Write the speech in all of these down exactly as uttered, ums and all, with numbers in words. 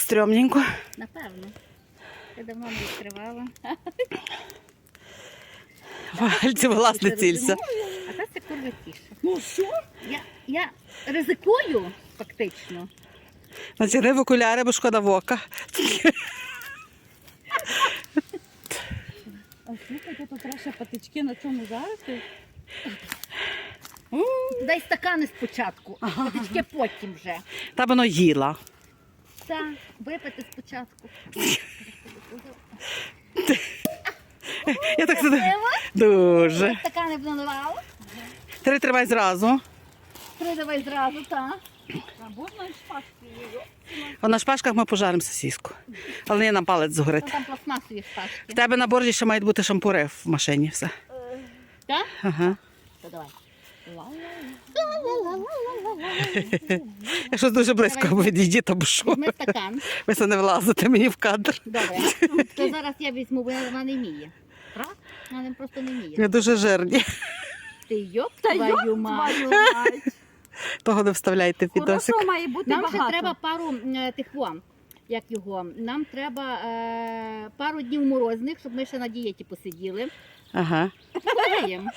стрьомненько. Напевно. Я давно не відкривала. Вальці, власне, цілься. А це це курва тіше. Ну що? Я, я ризикую, фактично. Натягни в окуляри, бо шкода в ока. А слухайте, тут треба патички на цьому зараз. Дай стакани спочатку, а патички потім вже. Та воно їла. Так, випити спочатку. Я так сюди. Дуже. Стакани б наливала. Три тримай зразу. Три давай зразу, так. А можна і шпажкою? А на шпажках ми пожаримо сосиску. Але не нам палець згорить. Ну, там пластмасові В шпажки. тебе на борді ще мають бути шампури в машині. Все. Так? Ага. То давай. Я щось дуже близько відійді, то що. Візьми стакан. Ви це не влазите мені в кадр. Добре. То зараз я візьму, бо вона не вміє. Правда? Вона просто не вміє. Ви дуже жирні. Ти йоп Та твою мать. твою мать. Того не вставляйте в відосик. Хорошо, має бути Нам багато. ще треба пару е, тих вам, як його, нам треба е, пару днів морозних, щоб ми ще на дієті посиділи. Ага. Гуляємо.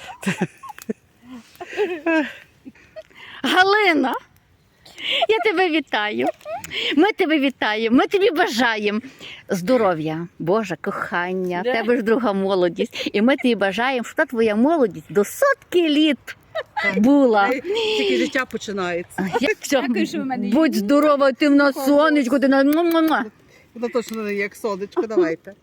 Галина, я тебе вітаю. Ми тебе вітаємо, ми тобі бажаємо здоров'я, Боже, кохання, в Да. тебе ж друга молодість. І ми тобі бажаємо, щоб та твоя молодість до сотки літ була. Тільки життя починається. Дякую, що ви мене Будь здорова, ти в нас сонечко, ти на... Воно точно не є як сонечко, давайте.